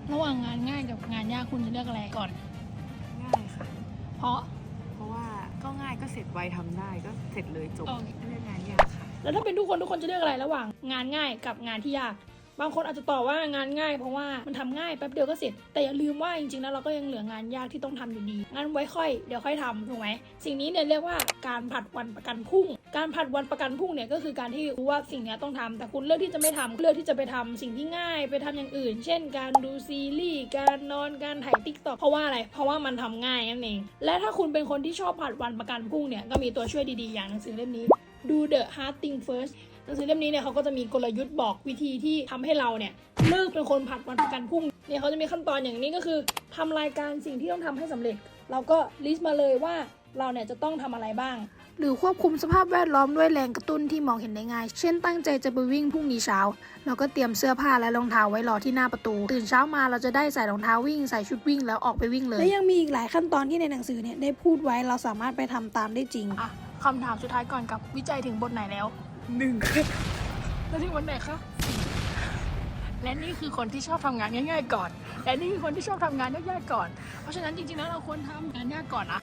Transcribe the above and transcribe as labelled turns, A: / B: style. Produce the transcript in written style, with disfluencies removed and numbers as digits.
A: ระหว่างงานง่ายกับงานยากคุณจะเลือกอะไรก่อน
B: ง่ายค่ะ
A: เพราะ
B: ว่าก็ง่ายก็เสร็จไวทำได้ก็เสร็จเลยจบ
A: โอเค
B: เรื่องงานยากค่ะ
A: แล้วถ้าเป็นทุกคนจะเลือกอะไรระหว่างงานง่ายกับงานที่ยากบางคนอาจจะตอบว่างานง่ายเพราะว่ามันทำง่ายแป๊บเดียวก็เสร็จแต่อย่าลืมว่าจริงๆแล้วเราก็ยังเหลืองานยากที่ต้องทำอยู่ดีงั้นไว้เดี๋ยวค่อยทำถูกไหมสิ่งนี้เนี่ยเรียกว่าการผัดวันประกันพรุ่งการผัดวันประกันพรุ่งเนี่ยก็คือการที่รู้ว่าสิ่งนี้ต้องทำแต่คุณเลือกที่จะไม่ทำเลือกที่จะไปทำสิ่งที่ง่ายไปทำอย่างอื่น เช่นการดูซีรีส์การนอนการถ่ายติ๊กต็อกเพราะว่าอะไรเพราะว่ามันทำง่ายนั่นเองและถ้าคุณเป็นคนที่ชอบผัดวันประกันพรุ่งเนี่ยก็มีตัวช่วยดีๆอย่างหนังสือเล่มนี้Do the Hard Thing First หนังสือเล่มนี้เนี่ยเขาก็จะมีกลยุทธ์บอกวิธีที่ทำให้เราเนี่ยเลิกเป็นคนผัดวันประกันพรุ่งเนี่ยเขาจะมีขั้นตอนอย่างนี้ก็คือทำรายการสิ่งที่ต้องทำให้สำเร็จเราก็ลิสต์มาเลยว่าเราเนี่ยจะต้องทำอะไรบ้างหรือควบคุมสภาพแวดล้อมด้วยแรงกระตุ้นที่มองเห็นได้ง่ายเช่นตั้งใจจะไปวิ่งพรุ่งนี้เช้าเราก็เตรียมเสื้อผ้าและรองเท้าไว้รอที่หน้าประตูตื่นเช้ามาเราจะได้ใส่รองเท้าวิ่งใส่ชุดวิ่งแล้วออกไปวิ่งเลยและยังมีอีกหลายขั้นตอนที่ในหนังสือเนี่ยได้พูดไว้เราสามารถไปทำตามได้จริงอ่ะคำถามสุดท้ายก่อนกับวิจัยถึงบทไหนแล้วแล้วถึงบทไหนคะและนี่คือคนที่ชอบทำงานง่ายๆก่อนและนี่คือคนที่ชอบทำงานยากๆก่อนเพราะฉะนั้นจริงๆแล้วเราควรทำงานยากก่อนนะ